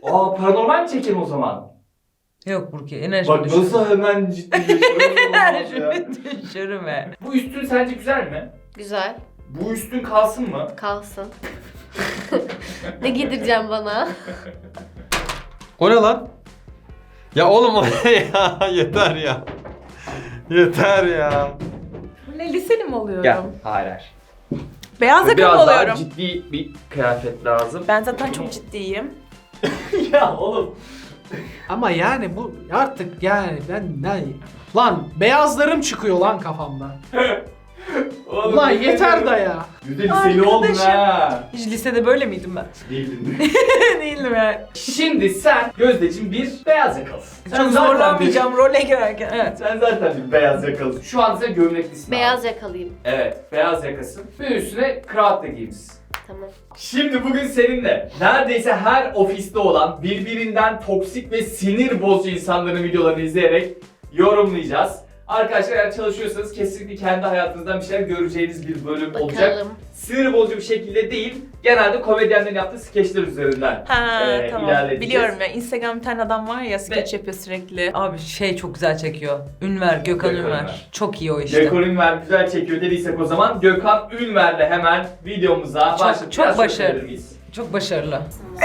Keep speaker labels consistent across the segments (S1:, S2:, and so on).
S1: Aa, paranormal mi çekelim o zaman?
S2: Yok Burki, enerji
S1: Bak nasıl hemen ciddileşiyor.
S2: enerji düşürme.
S1: Bu üstün sence güzel mi?
S3: Güzel.
S1: Bu üstün kalsın mı?
S3: Kalsın. Ne giydireceğim bana?
S4: O ne lan? Ya oğlum o ne ya? Yeter ya. Yeter ya.
S5: Bu ne, liseli mi oluyorum?
S1: Gel. Hayır.
S5: Beyaz yaka mı
S1: Biraz daha
S5: oluyorum?
S1: ciddi bir kıyafet lazım.
S5: Ben zaten çok ciddiyim.
S1: Ya oğlum.
S6: Ama yani bu artık yani ben lan beyazlarım çıkıyor lan kafamda.
S1: Oğlum
S6: Lan yeter da ya.
S1: Güzel seni oldun ha.
S2: Hiç lisede böyle miydim ben?
S1: Değildin.
S2: Değildim yani.
S1: Şimdi sen Gözdeciğim bir beyaz yakalısın.
S2: Çok zorlanmayacağım role girerken. Evet.
S1: Sen zaten bir beyaz yakalısın. Şu an sen gömleklisin.
S3: Beyaz
S1: abi.
S3: yakalıyım.
S1: Evet, beyaz yakasın. Ve üstüne kravat da giymişsin.
S3: Tamam.
S1: Şimdi bugün seninle neredeyse her ofiste olan birbirinden toksik ve sinir bozucu insanların videolarını izleyerek yorumlayacağız. Arkadaşlar eğer çalışıyorsanız kesinlikle kendi hayatınızdan bir şeyler göreceğiniz bir bölüm olacak.
S3: Bakalım.
S1: Sinir bozucu bir şekilde değil, genelde komedyenlerin yaptığı skeçler üzerinden
S5: Ha tamam.
S1: ilerleyeceğiz.
S5: Biliyorum ya, Instagram bir tane adam var ya, skeç yapıyor sürekli.
S2: Abi şey çok güzel çekiyor. Ünver, Gökhan
S1: Gökhan
S2: Ünver.
S1: Ünver.
S2: Çok iyi o işte.
S1: Gökhan Ünver güzel çekiyor dediysek o zaman Gökhan Ünver'le hemen videomuza başlayıp
S2: çok
S1: biraz
S2: başarılı.
S1: konuşabilir miyiz?
S2: Çok başarılı.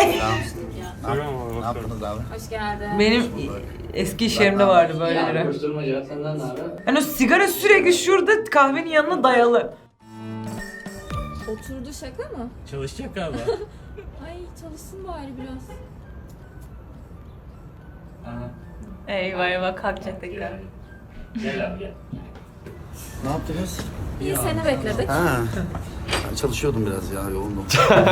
S7: Ne yaptınız abi?
S8: Hoş geldin.
S2: Benim eski iş yerimde vardı böyleleri.
S7: Koşturmaca senden ne haber?
S2: Hani o sigara sürekli şurada kahvenin yanına dayalı.
S8: Oturdu şaka mı?
S7: Çalışacak galiba.
S8: Ay çalışsın bari biraz.
S5: Eyvah eyvah, kalkacak tekrar.
S1: Gel abi gel.
S7: Ne yaptınız?
S8: İyi seni bekledik.
S7: Ha. Ben çalışıyordum biraz ya, yoğundum.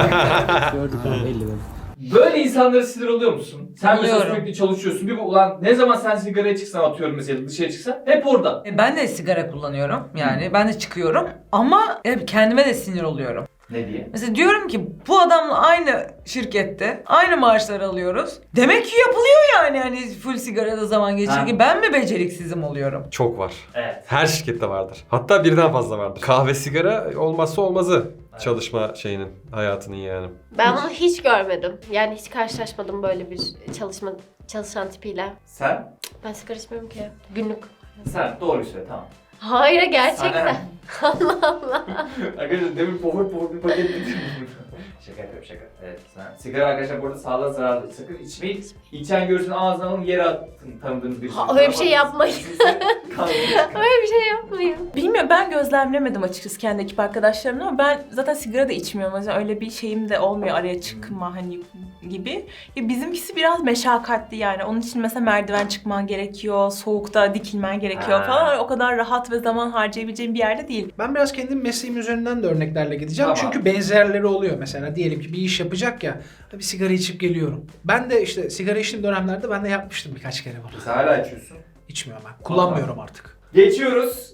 S7: Gördük abi, belli benim.
S1: Böyle insanlara sinir oluyor musun? Sen mesela
S2: Oluyorum.
S1: sürekli çalışıyorsun. Bir bu ulan ne zaman sen sigaraya çıksan atıyorum mesela dışarı çıksan hep orada.
S2: Ben de sigara kullanıyorum. Yani ben de çıkıyorum. Ama hep kendime de sinir oluyorum.
S1: Ne diye?
S2: Mesela diyorum ki bu adamla aynı şirkette aynı maaşları alıyoruz. Demek ki yapılıyor yani hani full sigarada zaman geçirirken.
S1: Ha.
S2: Ben mi beceriksizim oluyorum?
S4: Çok var.
S1: Evet.
S4: Her şirkette vardır. Hatta birden fazla vardır. Kahve, sigara olmazsa olmazı.
S1: Evet.
S4: Çalışma şeyinin, hayatının yani.
S3: Ben bunu hiç görmedim. Yani hiç karşılaşmadım böyle bir çalışan tipiyle.
S1: Sen?
S3: Ben sigara içmiyorum ki. Günlük.
S1: Sen doğru söyle tamam.
S3: Hayır gerçekten.
S1: Sana-
S3: Allah Allah.
S1: Arkadaşlar demin pofur bir paket getirdim. Şaka yapıyorum şaka. Evet sen. Sigara arkadaşlar bu arada sağlığa zararlı. Sakın içmeyin. İçen görsün ağzına alın yere atın tanıdığınız bir şey.
S3: Öyle bir şey yapmayın. Öyle bir şey yapmayın.
S5: Bilmiyorum, ben gözlemlemedim açıkçası kendi ekip arkadaşlarımla, ama ben zaten sigara da içmiyorum. O yüzden öyle bir şeyim de olmuyor, araya çıkma hani gibi. Ya bizimkisi biraz meşakkatli yani. Onun için mesela merdiven çıkman gerekiyor, soğukta dikilmen gerekiyor
S1: Ha.
S5: falan. O kadar rahat ve zaman harcayabileceğim bir yerde değil.
S6: Ben biraz kendim mesleğim üzerinden de örneklerle gideceğim.
S1: Tamam.
S6: Çünkü benzerleri oluyor. Mesela diyelim ki bir iş yapacak ya, bir sigara içip geliyorum. Ben de işte sigara içtiğim dönemlerde ben de yapmıştım birkaç kere bunu.
S1: Sen hala içiyorsun.
S6: İçmiyorum ben. Kullanmıyorum artık.
S1: Geçiyoruz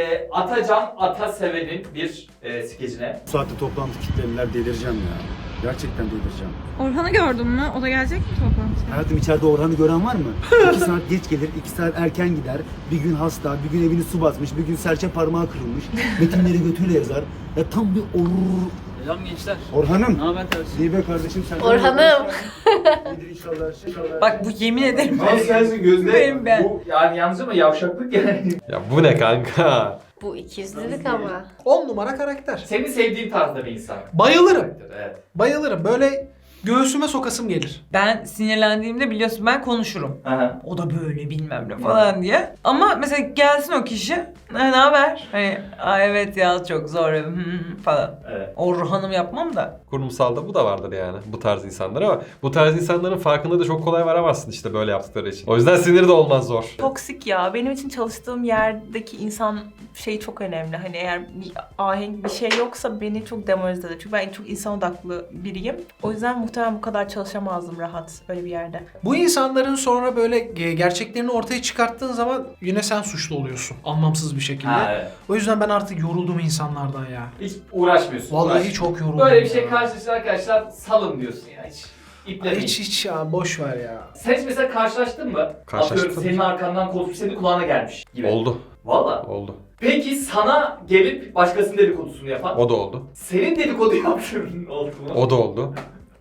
S1: Atacan Ataseven'in bir skecine.
S9: Bu saatte toplantı kitlediler, delireceğim ya. Gerçekten delireceğim.
S8: Orhan'ı gördün mü? O da gelecek mi toplantıya?
S9: Hayatım, içeride Orhan'ı gören var mı? 2 saat geç gelir, 2 saat erken gider. Bir gün hasta, bir gün evini su basmış, bir gün serçe parmağı kırılmış. Metinleri götüyle yazar. Ya tam bir
S7: Selam gençler.
S9: Orhan'ım.
S7: Ne haber tersi?
S9: İyi be kardeşim, sen.
S3: Orhan'ım.
S9: İyidir inşallah. İnşallah.
S2: Bak bu yemin ederim.
S1: Nasıl sensin gözde?
S2: Benim ben.
S1: Bu yani yalnız ama yavşaklık yani.
S4: Ya bu ne kanka?
S3: Bu ikizlilik ama.
S6: 10 numara karakter.
S1: Senin sevdiğin tarzda bir insan.
S6: Bayılırım.
S1: Evet.
S6: Bayılırım. Böyle göğsüme sokasım gelir.
S2: Ben sinirlendiğimde biliyorsun ben konuşurum.
S1: Aha.
S2: O da böyle bilmem ne falan diye. Ama mesela gelsin o kişi. Ne haber? Hani evet ya çok zor falan.
S1: Evet.
S2: Orhan'ım yapmam da.
S4: Kurumsalda bu da vardır yani. Bu tarz insanlar ama bu tarz insanların farkında da çok kolay varamazsın işte böyle yaptıkları için. O yüzden sinir de olmaz zor.
S5: Toksik ya. Benim için çalıştığım yerdeki insan şey çok önemli. Hani eğer bir ahenk bir şey yoksa beni çok demoralize eder. Çünkü ben çok insan odaklı biriyim. O yüzden muhtemelen bu kadar çalışamazdım rahat öyle bir yerde.
S6: Bu insanların sonra böyle gerçeklerini ortaya çıkarttığın zaman yine sen suçlu oluyorsun. Anlamsız bir şekilde.
S1: Ha, evet.
S6: O yüzden ben artık yoruldum insanlardan ya.
S1: Hiç uğraşmıyorsun.
S6: Vallahi çok yoruldum.
S1: Böyle bir şey
S6: ya.
S1: karşılaşır arkadaşlar salın diyorsun ya hiç. İplemeyin.
S6: Hiç ya, boş ver ya.
S1: Sen hiç mesela karşılaştın mı?
S4: Karşılaştım.
S1: Atıyorum senin arkandan konuşup senin kulağına gelmiş gibi.
S4: Oldu.
S1: Valla.
S4: Oldu.
S1: Peki sana gelip başkasının dedikodusunu yapan,
S4: O da oldu.
S1: senin dedikodu yaptığın oldu mu?
S4: O da oldu.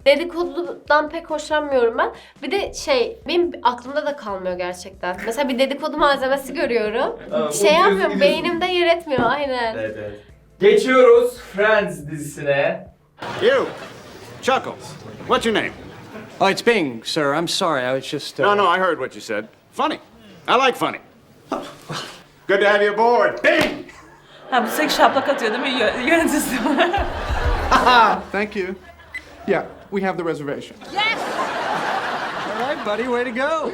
S3: Dedikodudan pek hoşlanmıyorum ben. Bir de benim aklımda da kalmıyor gerçekten. Mesela bir dedikodu malzemesi görüyorum.
S1: Tamam,
S3: Şey
S1: unutuyorsun,
S3: yapmıyorum,
S1: gidiyorsun.
S3: beynimde yer etmiyor aynen.
S1: Evet evet. Geçiyoruz Friends dizisine.
S10: You, Chuckles. What's your name?
S11: Oh, it's Bing, sir. I'm sorry. I was just.
S10: No, I heard what you said. Funny. I like funny. Good to have you aboard. Bing!
S5: Ha bu sürekli şaplak atıyor değil mi yöneticisi?
S11: Thank you. Yeah, we have the reservation. Yes! All right, buddy. Way to go.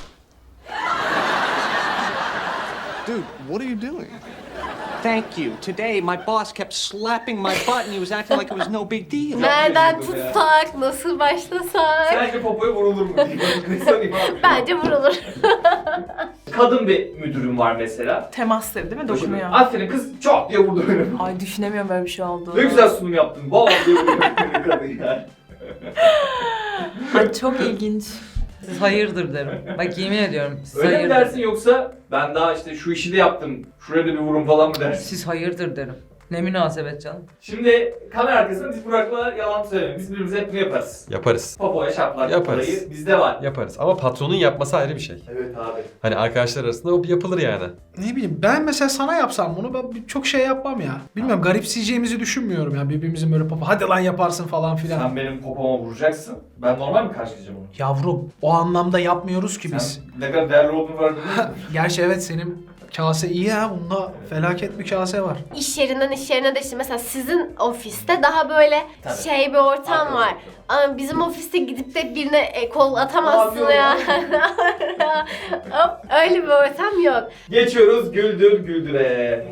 S11: Dude, what are you doing? Thank you. Today, my boss kept slapping my butt and he was acting like it was no big deal.
S3: Nereden tutsak, nasıl başlasak?
S1: Sence popoya vurulur mu? Ne sorayım abi?
S3: Bence vurulur.
S1: Kadın bir müdürüm var mesela.
S5: Temasları değil mi? Dokunuyor.
S1: Aferin kız çok diye vurdu beni.
S5: Ay düşünemiyorum böyle bir şey oldu.
S1: Ne güzel sunum yaptın. Vallahi diye vurdu beni kadın ya.
S5: Ay çok ilginç.
S2: Siz hayırdır derim. Bak yemin ediyorum. Siz
S1: Öyle mi
S2: hayırdır.
S1: dersin yoksa ben daha işte şu işi de yaptım. Şuraya da bir vurun falan mı dersin?
S2: Siz hayırdır derim. Ne münasebet canım.
S1: Şimdi kamera arkasında biz Burak'la yalan söylemeyiz. Biz birbirimize hep bunu yaparız.
S4: Yaparız.
S1: Popoya şaplak
S4: Yaparız.
S1: olayı bizde var.
S4: Yaparız. Ama patronun yapması ayrı bir şey.
S1: Evet abi.
S4: Hani arkadaşlar arasında o yapılır yani.
S6: Ne bileyim ben mesela sana yapsam bunu ben çok şey yapmam ya. Bilmiyorum garipseyeceğimizi düşünmüyorum ya birbirimizin böyle papa hadi lan yaparsın falan filan.
S1: Sen benim popoma vuracaksın. Ben normal mi karşılayacağım onu?
S6: Yavrum o anlamda yapmıyoruz ki biz.
S1: Sen ne kadar değerli olduğunu var değil mi?
S6: Gerçi evet senin kase iyi ha bunda felaket bir kase var.
S3: İş yerinden iş yerine de işte mesela sizin ofiste daha böyle
S1: Tabii.
S3: bir ortam
S1: Arkadaşlar.
S3: var. Ama bizim ofiste gidip de birine kol atamazsın
S1: Ne
S3: ya. Hop, öyle bir ortam yok.
S1: Geçiyoruz Güldür Güldür'e.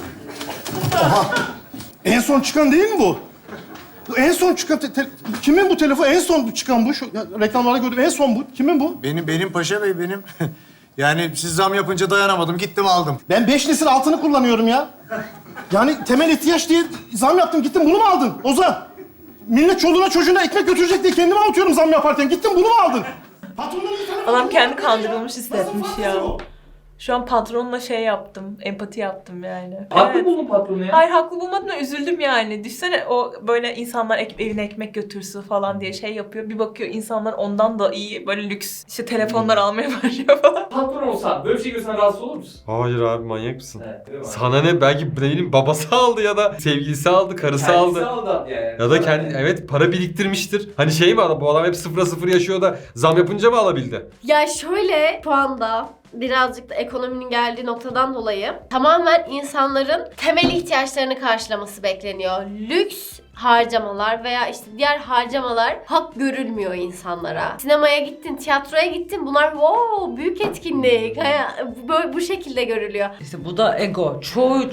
S9: En son çıkan değil mi bu? Bu en son çıkan kimin bu telefon? En son çıkan bu. Şu reklamlarda gördüm en son bu. Kimin bu?
S12: Benim Paşa Bey benim. Yani siz zam yapınca dayanamadım gittim aldım.
S9: Ben 5 nesil altını kullanıyorum ya. Yani temel ihtiyaç diye zam yaptım gittim bunu mu aldın Ozan? Millet çoluğuna çocuğuna ekmek götürecek diye kendime atıyorum zam yaparken. Gittin bunu mu aldın? Patronların bir tane-
S5: Adam kendi kandırılmış hissetmiş
S9: Nasıl
S5: ya.
S9: o?
S5: Şu an patronla şey yaptım, empati yaptım yani.
S1: Haklı
S5: Evet.
S1: buldun patronu ya.
S5: Hayır haklı bulmadım da üzüldüm yani. Düşsene o böyle insanlar evine ekmek götürsün falan diye şey yapıyor. Bir bakıyor insanlar ondan da iyi böyle lüks işte telefonlar almaya başlıyor falan.
S1: Patron olsan böyle bir şey görsen rahatsız olur musun?
S4: Hayır abi manyak mısın?
S1: Evet, değil mi?
S4: Sana ne? Belki Bray'nin babası aldı ya da sevgilisi aldı, karısı
S1: Kendisi
S4: aldı.
S1: aldı yani.
S4: Ya da kendi evet para biriktirmiştir. Hani şey mi adam bu adam hep 0'a 0 yaşıyor da zam yapınca mı alabildi?
S3: Ya şöyle şu anda birazcık da ekonominin geldiği noktadan dolayı tamamen insanların temel ihtiyaçlarını karşılaması bekleniyor. Lüks harcamalar veya işte diğer harcamalar hak görülmüyor insanlara. Sinemaya gittin, tiyatroya gittin bunlar büyük etkinlik. Böyle bu şekilde görülüyor.
S2: İşte bu da ego.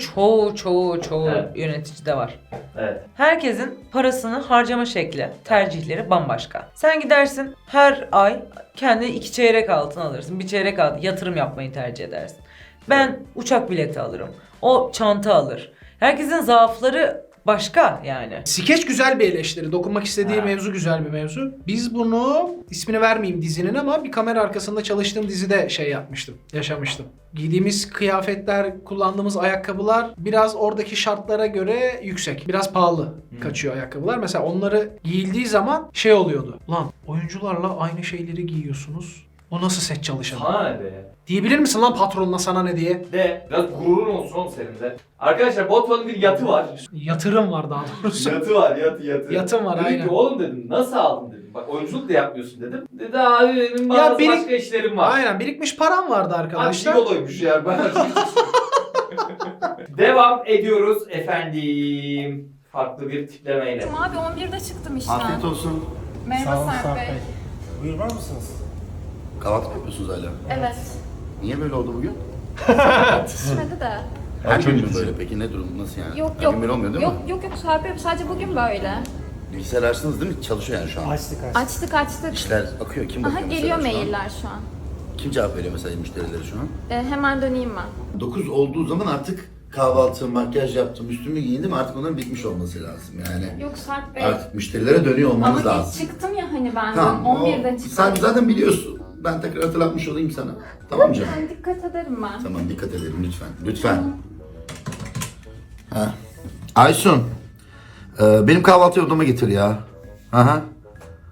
S2: Çoğu
S1: Evet.
S2: yöneticide var.
S1: Evet.
S2: Herkesin parasını harcama şekli, tercihleri bambaşka. Sen gidersin her ay kendi 2 çeyrek altın alırsın. 1 çeyrek altın yatırım yapmayı tercih edersin. Ben uçak bileti alırım. O çanta alır. Herkesin zaafları başka yani.
S6: Skeç güzel bir eleştiri. Dokunmak istediği
S1: Ha.
S6: mevzu güzel bir mevzu. Biz bunu ismini vermeyeyim dizinin ama bir kamera arkasında çalıştığım dizide şey yapmıştım. Yaşamıştım. Giydiğimiz kıyafetler, kullandığımız ayakkabılar biraz oradaki şartlara göre yüksek. Biraz pahalı kaçıyor ayakkabılar. Mesela onları giyildiği zaman şey oluyordu. Lan oyuncularla aynı şeyleri giyiyorsunuz. O nasıl set çalışanı?
S1: Sana ne be?
S6: Diyebilir misin lan patronuna sana ne diye?
S1: De biraz gururun olsun oğlum senin de. Arkadaşlar Botman'ın bir yatı var.
S6: Yatırım var daha doğrusu.
S1: Yatı var yatı.
S6: Yatım var,
S1: dedim
S6: aynen.
S1: ki oğlum dedim nasıl aldın dedim. Bak oyunculuk da yapmıyorsun dedim. Dedi abi benim bazı başka işlerim var.
S6: Aynen birikmiş param vardı
S1: Abi
S6: arkadaşlar.
S1: gigoloymuş ya ben. Devam ediyoruz efendim. Farklı bir tiplemeyle.
S8: Abi 11'de çıktım işten.
S9: Afiyet olsun.
S8: Merhaba Sarp Bey.
S9: Buyur var mısınız? Kahvaltı yapıyorsunuz hala.
S3: Evet.
S9: Niye böyle oldu bugün?
S8: Yetişmedi de.
S9: Her gün mü böyle peki? Ne durum? Nasıl yani?
S8: Yok
S9: Her
S8: yok.
S9: gün böyle olmuyor değil
S8: Yok
S9: mi?
S8: yok Sarp Bey sadece bugün böyle.
S9: Bilgisayar açtınız değil mi? Çalışıyor yani şu an.
S8: Açtık.
S9: İşler akıyor. Kim bakıyor
S8: Aha
S9: mesela
S8: geliyor
S9: şu an?
S8: mailler şu an.
S9: Kim cevap veriyor mesela müşterileri şu an?
S8: Hemen döneyim ben.
S9: 9 olduğu zaman artık kahvaltı, makyaj yaptım, üstümü giyindim artık onların bitmiş olması lazım yani.
S8: Yok Sarp Bey.
S9: Artık müşterilere dönüyor olmanız
S8: Ama
S9: lazım.
S8: geç çıktım ya hani ben.
S9: Tamam.
S8: 11'de
S9: o-
S8: çıktım.
S9: Sen zaten biliyorsun. Ben tekrar hatırlatmış olayım sana. Tamam canım.
S8: Ben dikkat ederim ben.
S9: Tamam dikkat edelim lütfen. Lütfen. Ha. Aysun. Benim kahvaltıyı odama getir ya. Aha.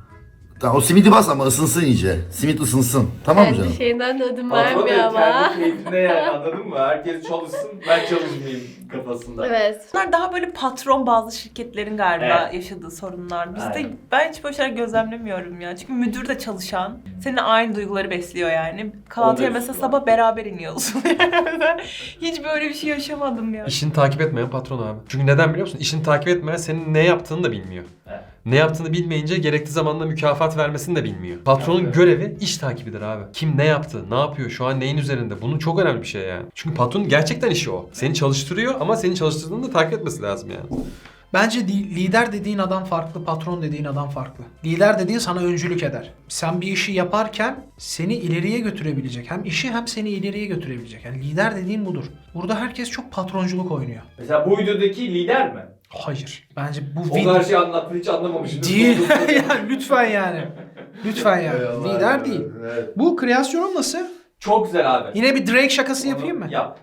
S7: Tamam, o simidi bas ama ısınsın iyice. Simit ısınsın. Tamam mı
S3: Kendi
S7: canım?
S3: şeyinden de ödün
S1: Patron
S3: vermiyor
S1: da
S3: ama.
S1: kendi keyfinde yani, anladın mı? Herkes çalışsın, ben çalışmayayım kafasında.
S3: Evet.
S5: Bunlar daha böyle patron bazı şirketlerin galiba
S1: Evet.
S5: yaşadığı sorunlar. Bizde
S1: Aynen.
S5: ben hiç böyle şeyler gözlemlemiyorum ya. Çünkü müdür de çalışan. Seninle aynı duyguları besliyor yani. Kahvaltıya
S1: Onda
S5: mesela
S1: üstü var.
S5: sabah beraber iniyorsun. Yani ben hiç böyle bir şey yaşamadım ya.
S4: İşini takip etmeyen patron abi. Çünkü neden biliyor musun? İşini takip etmeyen senin ne yaptığını da bilmiyor.
S1: Evet.
S4: Ne yaptığını bilmeyince gerekli zamanda mükafat vermesini de bilmiyor. Patronun
S1: Evet.
S4: görevi iş takibidir abi. Kim ne yaptı, ne yapıyor, şu an neyin üzerinde? Bunun çok önemli bir şey yani. Çünkü patronun gerçekten işi o. Seni çalıştırıyor ama seni çalıştırdığını da takip etmesi lazım yani.
S6: Bence lider dediğin adam farklı, patron dediğin adam farklı. Lider dediğin sana öncülük eder. Sen bir işi yaparken seni ileriye götürebilecek. Hem işi hem seni ileriye götürebilecek. Yani lider dediğin budur. Burada herkes çok patronculuk oynuyor.
S1: Mesela bu videodaki lider mi?
S6: Hayır. Bence bu
S1: O kadar şey anlattın, hiç anlamamışım.
S6: değil. Yani lütfen yani. Lütfen yani.
S1: Eyvallah,
S6: Lider
S1: eyvallah.
S6: değil.
S1: Evet.
S6: Bu kreasyonun nasıl?
S1: Çok güzel abi.
S6: Yine bir Drake şakası yapayım mı?
S1: Yap.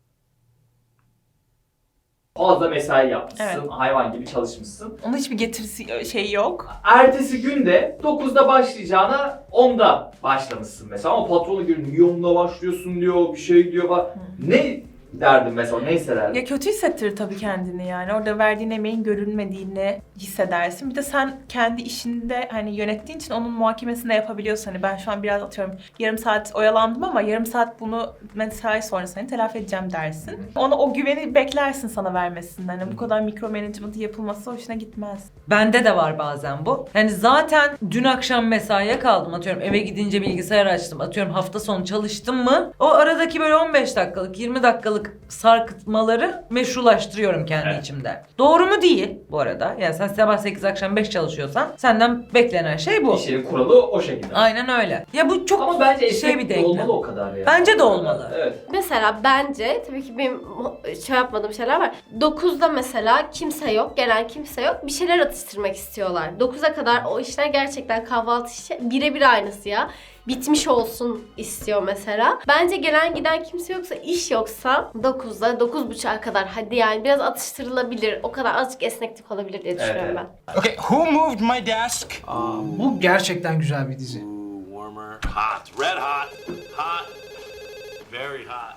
S1: Fazla mesai yapmışsın,
S5: Evet.
S1: hayvan gibi çalışmışsın.
S5: Onun hiçbir getirisi şey yok.
S1: Ertesi günde 9'da başlayacağına 10'da başlamışsın mesela ama patronu görüyor, niye 10'da başlıyorsun diyor, bir şey diyor falan. Ne derdin mesela, ne hissederdin?
S5: Ya kötü hissettirir tabii kendini yani. Orada verdiğin emeğin görülmediğini hissedersin. Bir de sen kendi işinde hani yönettiğin için onun muhakemesini de yapabiliyorsun. Hani ben şu an biraz atıyorum yarım saat oyalandım ama yarım saat bunu mesai sonrası hani telafi edeceğim dersin. Ona o güveni beklersin sana vermesinden. Hani bu kadar mikro management yapılması hoşuna gitmez.
S2: Bende de var bazen bu. Yani zaten dün akşam mesaiye kaldım, atıyorum eve gidince bilgisayar açtım, atıyorum hafta sonu çalıştım mı, o aradaki böyle 15 dakikalık 20 dakikalık sarkıtmaları meşrulaştırıyorum kendi
S1: Evet.
S2: içimde. Doğru mu değil bu arada. Yani sen sabah 8 akşam 5 çalışıyorsan senden beklenen şey bu.
S1: İş yeri kuralı o şekilde.
S2: Aynen öyle. Ya bu çok
S1: Ama bence
S2: şey bir
S1: esnek
S2: denklem.
S1: olmalı o kadar ya.
S2: Bence de olmalı.
S1: Evet.
S3: Mesela bence tabii ki benim şey yapmadığım şeyler var. 9'da mesela kimse yok, gelen kimse yok. Bir şeyler atıştırmak istiyorlar. 9'a kadar o işler gerçekten kahvaltı işi birebir aynısı ya. Bitmiş olsun istiyor mesela. Bence gelen giden kimse yoksa, iş yoksa 9'da 9.30'a kadar hadi yani biraz atıştırılabilir. O kadar azıcık esneklik olabilir diye düşünüyorum
S1: Evet.
S3: ben.
S10: Okay, who moved my desk?
S6: Bu gerçekten güzel bir dizi.
S10: Warmer. Hot. Red hot. Hot. Very hot.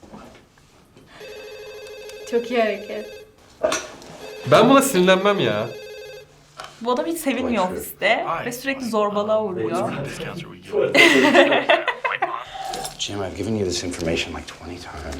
S3: Çok iyi hareket.
S4: Ben buna sinirlenmem ya.
S5: Bu adam hiç sevilmiyor ofiste ve sürekli zorbalığa uğruyor.
S7: Jim, I've given you this information like 20 times.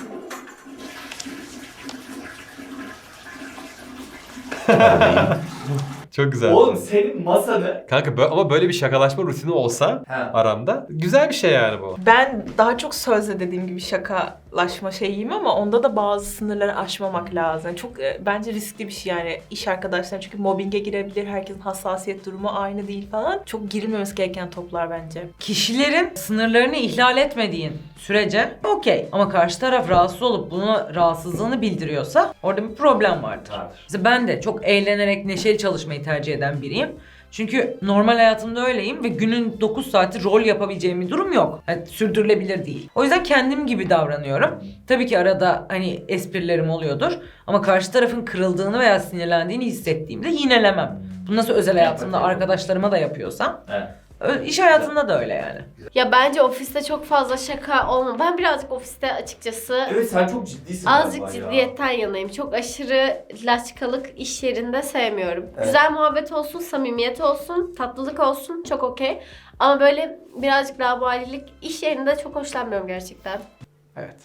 S4: Çok güzel.
S1: Oğlum senin masanı...
S4: Kanka ama böyle bir şakalaşma rutini olsa
S1: He.
S4: aramda güzel bir şey yani bu.
S5: Ben daha çok sözle dediğim gibi şakalaşma şeyiyim ama onda da bazı sınırları aşmamak lazım. Çok bence riskli bir şey yani iş arkadaşları çünkü mobbinge girebilir, herkesin hassasiyet durumu aynı değil falan. Çok girilmemesi gereken toplar bence.
S2: Kişilerin sınırlarını ihlal etmediğin sürece okey. Ama karşı taraf rahatsız olup buna rahatsızlığını bildiriyorsa orada bir problem vardır.
S1: Vardır.
S2: Mesela ben de çok eğlenerek neşeli çalışmayı tercih eden biriyim. Çünkü normal hayatımda öyleyim ve günün 9 saati rol yapabileceğim bir durum yok. Yani sürdürülebilir değil. O yüzden kendim gibi davranıyorum. Tabii ki arada hani esprilerim oluyordur. Ama karşı tarafın kırıldığını veya sinirlendiğini hissettiğimde yinelemem. Bunu nasıl özel hayatımda arkadaşlarıma da yapıyorsam,
S1: Evet.
S2: iş hayatında da öyle yani.
S3: Ya bence ofiste çok fazla şaka olma. Ben birazcık ofiste açıkçası
S1: Evet, sen çok ciddisin
S3: azıcık
S1: galiba ya.
S3: ciddiyetten yanayım. Çok aşırı laçkalık iş yerinde sevmiyorum.
S1: Evet.
S3: Güzel muhabbet olsun, samimiyet olsun, tatlılık olsun çok okey. Ama böyle birazcık laubalilik iş yerinde çok hoşlanmıyorum gerçekten.
S6: Evet.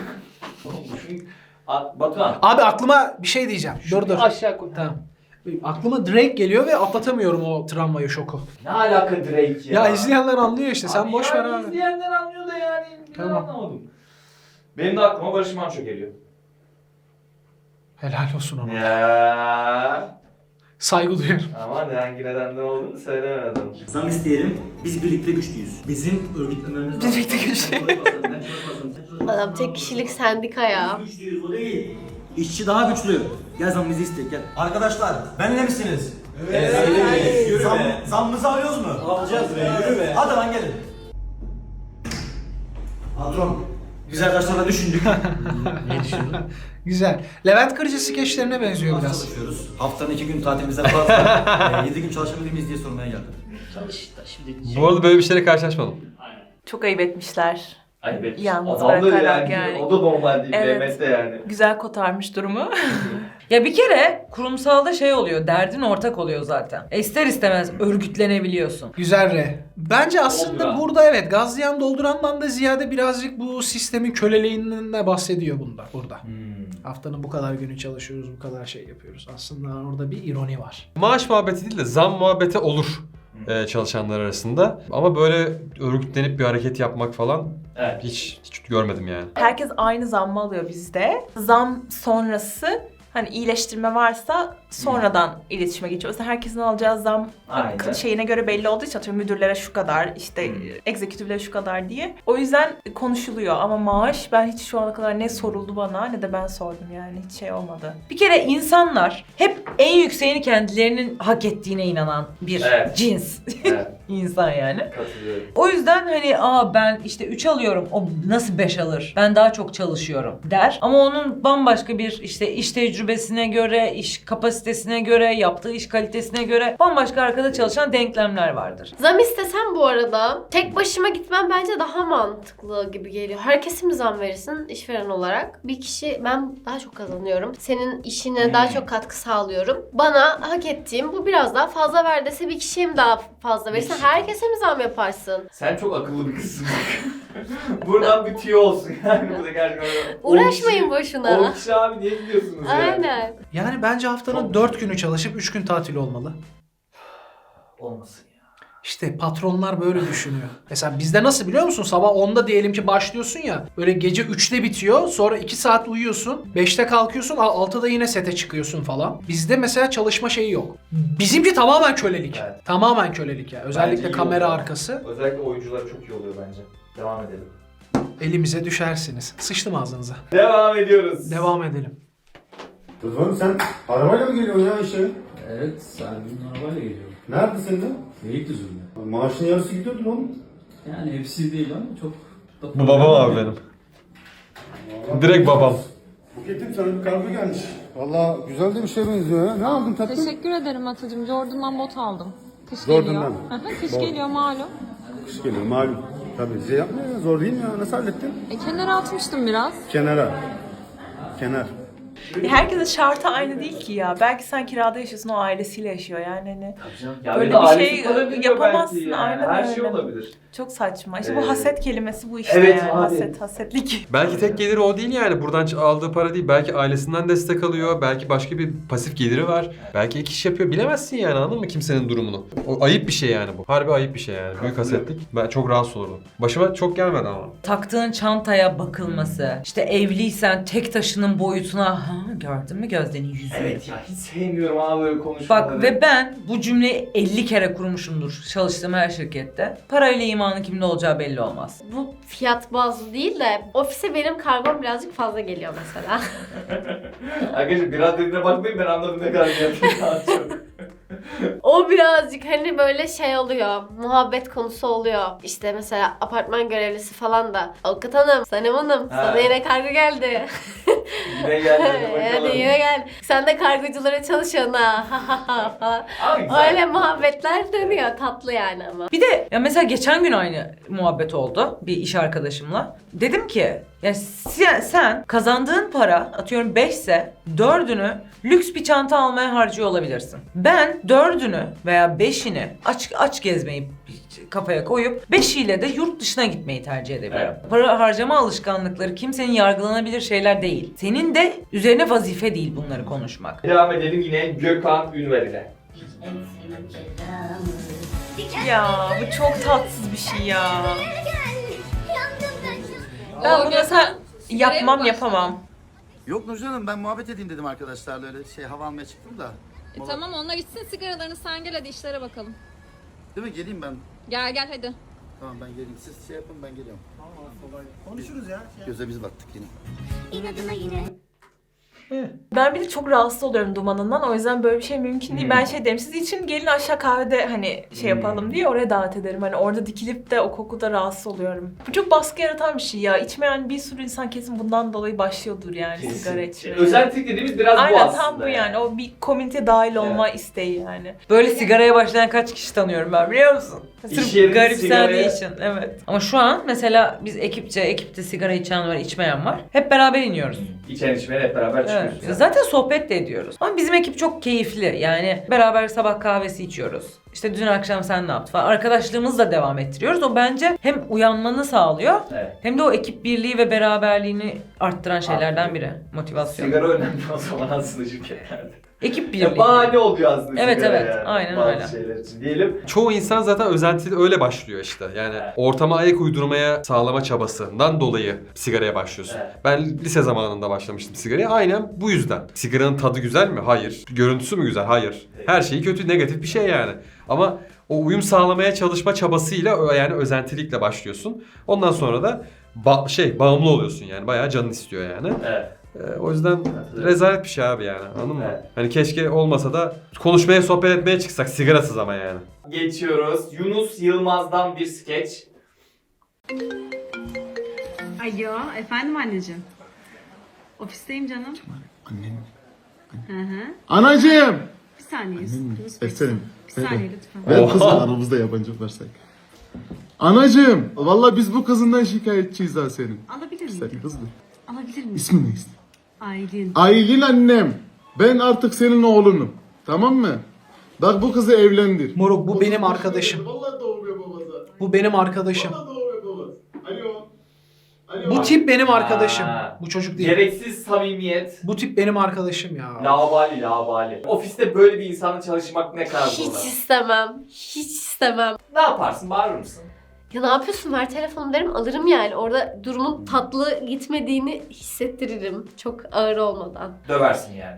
S1: Batuhan.
S6: Abi aklıma bir şey diyeceğim. Dur.
S1: Aşağı koy.
S6: Tamam. Aklıma Drake geliyor ve atlatamıyorum o travmayı, şoku.
S1: Ne alaka Drake ya?
S6: Ya izleyenler anlıyor işte. Sen
S1: Abi
S6: boş ver
S1: yani
S6: abi.
S1: İzleyenler anlıyor da yani. Ben
S6: Tamam.
S1: anlamadım. Benim de aklıma Barış Manço geliyor.
S6: Helal olsun ona.
S1: Ya.
S6: Saygı duyuyorum.
S1: Ama hangi nedenden olduğunu söylemedim.
S7: Zam isteyelim. Biz birlikte güçlüyüz. Bizim örgütlememiz lazım.
S5: Birlikte güçlü.
S3: Adam tek kişilik sendika ya.
S7: Güçlüyüz, o değil. İşçi daha güçlü. Gel zammımızı iste, gel. Arkadaşlar, benimle misiniz? Evet. Yürü be. Zammımızı alıyoruz mu? Alacağız be, yürü be. Hadi lan gelin. Patron, Güzel kaçlarla düşündük. Ne düşündün?
S6: Güzel. Levent Kırcı skeçlerine benziyor
S7: Nasıl
S6: biraz.
S7: çalışıyoruz? Haftanın 2 gün tatilimizden fazla. 7 gün çalışabilir miyiz diye sormaya geldim.
S4: Bu arada böyle bir şeyle karşılaşmadım.
S5: Çok ayıp etmişler.
S1: Ay be.
S5: Yalnız
S1: Adam da
S5: bırakarak
S1: yani.
S5: yani.
S1: O da normal değil.
S5: Evet.
S1: Mehmet de yani.
S5: Güzel kotarmış durumu.
S2: Ya bir kere kurumsalda şey oluyor, derdin ortak oluyor zaten. İster istemez örgütlenebiliyorsun.
S6: Güzel re. Bence aslında
S1: Dolduran.
S6: burada evet gazlayan doldurandan da ziyade birazcık bu sistemin köleliğinden de bahsediyor burada. Haftanın bu kadar günü çalışıyoruz, bu kadar şey yapıyoruz. Aslında orada bir ironi var.
S4: Maaş muhabbeti değil de zam muhabbeti olur çalışanlar arasında. Ama böyle örgütlenip bir hareket yapmak falan
S1: Evet.
S4: hiç görmedim yani.
S5: Herkes aynı zammı alıyor bizde. Zam sonrası hani iyileştirme varsa sonradan iletişime geçiyor. Mesela herkesin alacağı zam
S1: Aynen.
S5: şeyine göre belli olduğu için atıyorum müdürlere şu kadar, işte egzekütiflere şu kadar diye. O yüzden konuşuluyor ama maaş ben hiç şu ana kadar ne soruldu bana ne de ben sordum yani hiç şey olmadı.
S2: Bir kere insanlar hep en yükseğini kendilerinin hak ettiğine inanan bir
S1: Evet.
S2: cins.
S1: Evet.
S2: İnsan yani.
S1: Katılıyorum.
S2: O yüzden hani ben işte 3 alıyorum, o nasıl 5 alır? Ben daha çok çalışıyorum der. Ama onun bambaşka bir işte iş tecrübesine göre, iş kapasitesine göre, yaptığı iş kalitesine göre bambaşka arkada çalışan denklemler vardır.
S3: Zam istesem bu arada tek başıma gitmem bence daha mantıklı gibi geliyor. Herkese mi zam verirsin işveren olarak? Bir kişi ben daha çok kazanıyorum. Senin işine daha çok katkı sağlıyorum. Bana hak ettiğim bu biraz daha fazla ver dese bir kişiye mi daha fazla verirsin? Herkese mi zam yaparsın?
S1: Sen çok akıllı bir kızsın. Buradan bir tüyo olsun yani bu da gerçekten.
S3: Uğraşmayın boşuna.
S1: 10 kişi abi niye gidiyorsunuz ya?
S3: Aynen.
S6: Yani bence haftanın 4 günü çalışıp 3 gün tatil olmalı.
S1: Olmasın ya.
S6: İşte patronlar böyle düşünüyor. Mesela bizde nasıl biliyor musun? Sabah 10'da diyelim ki başlıyorsun ya. Böyle gece 3'te bitiyor. Sonra 2 saat uyuyorsun. 5'te kalkıyorsun. 6'da yine sete çıkıyorsun falan. Bizde mesela çalışma şeyi yok. Bizimki tamamen kölelik.
S1: Evet.
S6: Tamamen kölelik ya. Özellikle
S1: Bence iyi
S6: kamera
S1: oluyor.
S6: arkası.
S1: Özellikle oyuncular çok iyi oluyor bence. Devam edelim.
S6: Elimize düşersiniz. Sıçtım ağzınıza.
S1: Devam ediyoruz.
S6: Devam edelim.
S9: Rıdvan sen arabayla mı geliyorsun ya işe?
S7: Evet, Servin'in arabayla geliyorum.
S9: Nerede senin de?
S7: Beylikdüzü'nde.
S9: Maaşın yarısı gidiyordur oğlum.
S7: Yani hepsi değil ama çok...
S4: Bu babam abi benim. Direkt babam.
S9: Buketim sana bir kargo gelmiş. Valla güzel de bir şey benziyor ya. Ne aldın tatlım?
S8: Teşekkür ederim Atacığım. Jordan'dan bot aldım. Kış
S9: Jordan'dan.
S8: geliyor. Hı hı, Kış
S9: Bot.
S8: geliyor malum.
S9: Kış geliyor malum. Tabii bize yapmıyor ya. Zor değil mi ya? Nasıl hallettin?
S8: Kenara atmıştım biraz.
S9: Kenara. Kenar.
S5: Herkesin şartı aynı değil ki ya. Belki sen kirada yaşıyorsun, o ailesiyle yaşıyor yani hani.
S1: Ya
S5: Böyle
S1: bir de
S5: bir
S1: ailesi
S5: şey
S1: kalabiliyor
S5: yapamazsın,
S1: belki yani.
S5: aynen
S1: Her şey
S5: öyle.
S1: olabilir.
S5: Çok saçma. İşte bu haset kelimesi bu işte
S1: Evet
S5: yani.
S1: abi.
S5: Hasetlik.
S4: Belki tek geliri o değil yani. Buradan aldığı para değil. Belki ailesinden destek alıyor. Belki başka bir pasif geliri var. Belki ek iş yapıyor. Bilemezsin yani, anladın mı kimsenin durumunu? O ayıp bir şey yani bu. Harbi ayıp bir şey yani. Büyük hasetlik. Ben çok rahatsız olurdum. Başıma çok gelmedi ama.
S2: Taktığın çantaya bakılması, işte evliysen tek taşının boyutuna gördün mü Gözde'nin yüzünü?
S1: Evet ya hiç sevmiyorum abi böyle konuşmaları.
S2: Bak ve ben bu cümleyi 50 kere kurmuşumdur çalıştığım her şirkette. Parayla imanın kimde olacağı belli olmaz.
S3: Bu fiyat bazlı değil de ofise benim kargom birazcık fazla geliyor mesela.
S1: Arkadaşlar biraz dediğine bakmayın ben anladım ne kadar yapayım daha çok.
S3: O birazcık hani böyle şey oluyor, muhabbet konusu oluyor. İşte mesela apartman görevlisi falan da Avukat Hanım, Sanem Hanım,
S1: Ha.
S3: sana yine kargo geldi.
S1: Yine geldi hadi bakalım.
S3: Yani yine geldi. Sen de kargoculara çalışıyorsun ha falan.
S1: Abi güzel.
S3: Öyle muhabbetler dönüyor, tatlı yani ama.
S2: Bir de ya mesela geçen gün aynı muhabbet oldu bir iş arkadaşımla. Dedim ki ya sen kazandığın para atıyorum 5 ise 4'ünü lüks bir çanta almaya harcıyor olabilirsin. Ben 4'ünü veya 5'ini aç gezmeyi kafaya koyup 5'iyle de yurt dışına gitmeyi tercih edebilirim.
S1: Evet.
S2: Para harcama alışkanlıkları kimsenin yargılanabilir şeyler değil. Senin de üzerine vazife değil bunları konuşmak.
S1: Devam edelim yine Gökhan Ünver ile.
S5: Ya bu çok tatsız bir şey ya. Ben bunu mesela yapamam.
S12: Yok Nurcan Hanım ben muhabbet edeyim dedim arkadaşlarla öyle hava almaya çıktım da.
S8: Tamam onlar içsin sigaralarını sen gel hadi işlere bakalım.
S12: Değil mi geleyim ben.
S8: Gel hadi.
S12: Tamam ben geleyim siz şey yapın ben geliyorum. Tamam kolay. Konuşuruz ya. Göze biz battık yine.
S5: Ben bir de çok rahatsız oluyorum dumanından. O yüzden böyle bir şey mümkün değil. Ben şey derim, siz için gelin aşağı kahvede hani şey yapalım diye oraya davet ederim. Hani orada dikilip de o kokuda rahatsız oluyorum. Bu çok baskı yaratan bir şey ya. İçmeyen bir sürü insan kesin bundan dolayı başlıyordur yani sigara içmeye.
S1: Özellik dediğimiz biraz bu
S5: Aynen
S1: aslında.
S5: tam bu yani. O bir komüniteye dahil olma isteği yani.
S2: Böyle sigaraya başlayan kaç kişi tanıyorum ben, biliyor musun?
S1: İş
S2: Sırf
S1: yerinde
S2: garipsendiği
S1: sigaraya-
S2: için. Evet. Ama şu an mesela biz ekipte sigara içen var, içmeyen var. Hep beraber iniyoruz.
S1: İçen içmeyen hep beraber
S2: Evet.
S1: çıkıyoruz.
S2: Zaten sohbet de ediyoruz. Ama bizim ekip çok keyifli. Yani beraber sabah kahvesi içiyoruz. İşte dün akşam sen ne yaptın falan. Arkadaşlığımızı da devam ettiriyoruz. O bence hem uyanmanı sağlıyor
S1: Evet.
S2: hem de o ekip birliği ve beraberliğini arttıran şeylerden biri. Motivasyon.
S1: Sigara önemli o zaman aslında şirketlerde.
S2: Ekip birliği.
S1: Ya bahane oluyor aslında
S2: Evet,
S1: sigara
S2: evet.
S1: yani.
S2: Aynen
S1: Bazı
S2: öyle.
S1: şeyler için diyelim.
S4: Çoğu insan zaten özentili öyle başlıyor işte. Yani ortama ayak uydurmaya sağlama çabasından dolayı sigaraya başlıyorsun.
S1: Evet.
S4: Ben lise zamanında başlamıştım sigaraya. Aynen bu yüzden. Sigaranın tadı güzel mi? Hayır. Görüntüsü mü güzel? Hayır. Her şeyi kötü, negatif bir şey yani. Ama o uyum sağlamaya çalışma çabasıyla yani özentilikle başlıyorsun. Ondan sonra da bağımlı oluyorsun yani. Bayağı canın istiyor yani.
S1: Evet.
S4: O yüzden rezalet bir şey abi yani. Anladın mı?
S1: Evet.
S4: Hani keşke olmasa da konuşmaya, sohbet etmeye çıksak sigarasız ama yani.
S1: Geçiyoruz. Yunus Yılmaz'dan bir skeç.
S8: Alo, efendim anneciğim. Ofisteyim canım.
S9: Annem.
S8: Hı hı.
S9: Anacığım.
S8: Bir saniye.
S9: Efendim.
S8: Bir saniye lütfen.
S9: Ben kızım aramızda yabancı varsak. Anacığım. Vallahi biz bu kızından şikayetçiyiz ha senin.
S8: Alabilir miyim?
S9: Sen hızlı.
S8: Alabilir miyim?
S9: İsmin ne ismi?
S8: Aylin.
S9: Aylin annem. Ben artık senin oğlunum. Tamam mı? Bak bu kızı evlendir.
S6: Moruk bu benim arkadaşım.
S9: Vallahi doğruyor babası.
S6: Bu benim arkadaşım.
S9: Vallahi doğruyor babası. Alo. Alo.
S6: Bu tip benim arkadaşım.
S1: Ha.
S6: Bu çocuk değil.
S1: Gereksiz samimiyet.
S6: Bu tip benim arkadaşım ya.
S1: Labali. Ofiste böyle bir insanla çalışmak ne kadar
S3: Hiç
S1: zor.
S3: istemem. Hiç istemem.
S1: Ne yaparsın? Bağırır mısın?
S3: Ya ne yapıyorsun? Ver telefonu derim, alırım yani. Orada durumun tatlı gitmediğini hissettiririm. Çok ağır olmadan.
S1: Döversin yani.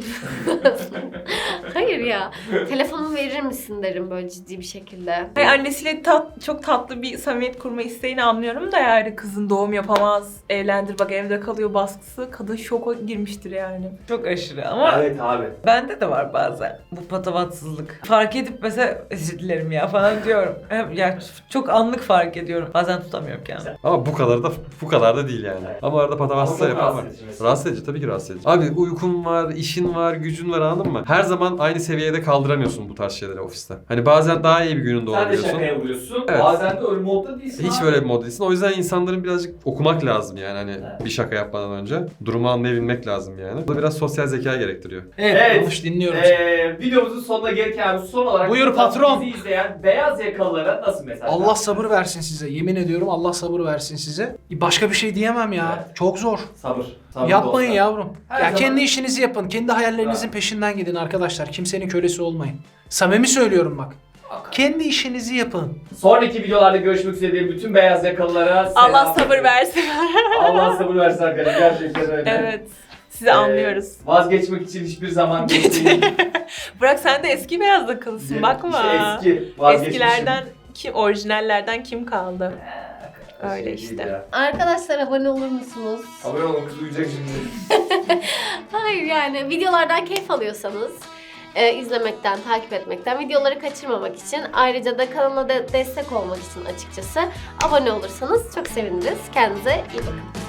S3: Hayır ya. Telefonumu verir misin derim böyle ciddi bir şekilde.
S5: Hayır, annesiyle çok tatlı bir samimiyet kurma isteğini anlıyorum da yani kızın doğum yapamaz, evlendir bak evde kalıyor baskısı. Kadın şoka girmiştir yani.
S2: Çok aşırı ama
S1: Evet abi.
S2: bende de var bazen bu patavatsızlık. Fark edip mesela özür dilerim ya falan diyorum. Ya çok anlık fark ediyorum. Bazen tutamıyorum kendimi.
S4: Ama bu kadar da değil yani. Ama arada patavatsızlar
S1: Ama çok
S4: yapan var.
S1: rahatsız edici mesela.
S4: Rahatsız edici, tabii ki rahatsız edici. Abi uykun var, işin var, gücün var, anladın mı? Her zaman aynı seviyede kaldıramıyorsun bu tarz şeyleri ofiste. Hani bazen daha iyi bir gününde
S1: Sen de
S4: olabiliyorsun.
S1: şakaya vuruyorsun.
S4: Evet.
S1: Bazen de öyle modda değilsin.
S4: Hiç
S1: abi.
S4: böyle bir mod değilsin. O yüzden insanların birazcık okumak lazım yani hani
S1: Evet.
S4: bir şaka yapmadan önce. Durumu anlayabilmek lazım yani. Bu da biraz sosyal zeka gerektiriyor.
S6: Evet, konuş, dinliyorum.
S1: Videomuzun sonuna gelirken son olarak
S6: Buyur patron.
S1: bizi izleyen beyaz yakalılara nasıl mesaj
S6: Allah
S1: versin?
S6: sabır versin size. Yemin ediyorum Allah sabır versin size. Başka bir şey diyemem ya.
S1: Evet.
S6: Çok zor.
S1: Sabır. Sabır
S6: Yapmayın
S1: dostlar.
S6: yavrum.
S1: Her
S6: Ya
S1: zaman-
S6: kendi işinizi yapın. Kendi hayallerinizin peşinden gidin arkadaşlar. Kimsenin kölesi olmayın. Samimi söylüyorum bak. Kendi işinizi yapın.
S1: Sonraki videolarda görüşmek üzere diye bütün beyaz yakalılara selam.
S5: Allah sabır versin.
S1: Allah sabır versin arkadaşlar. Gerçekten öyle.
S5: Evet. Sizi anlıyoruz.
S1: Vazgeçmek için hiçbir zaman geç değil.
S5: Bırak sen de eski beyaz yakalısın bakma.
S1: İşte eski. Vazgeçmişim.
S5: Eskilerden kim, orijinallerden kim kaldı? Öyle
S1: Şey
S5: işte.
S1: değil ya.
S3: Arkadaşlar abone olur musunuz?
S1: Abone olun, kız uyuyacak şimdi.
S3: Hayır yani videolardan keyif alıyorsanız izlemekten, takip etmekten, videoları kaçırmamak için, ayrıca da kanala destek olmak için açıkçası abone olursanız çok seviniriz. Kendinize iyi bakın.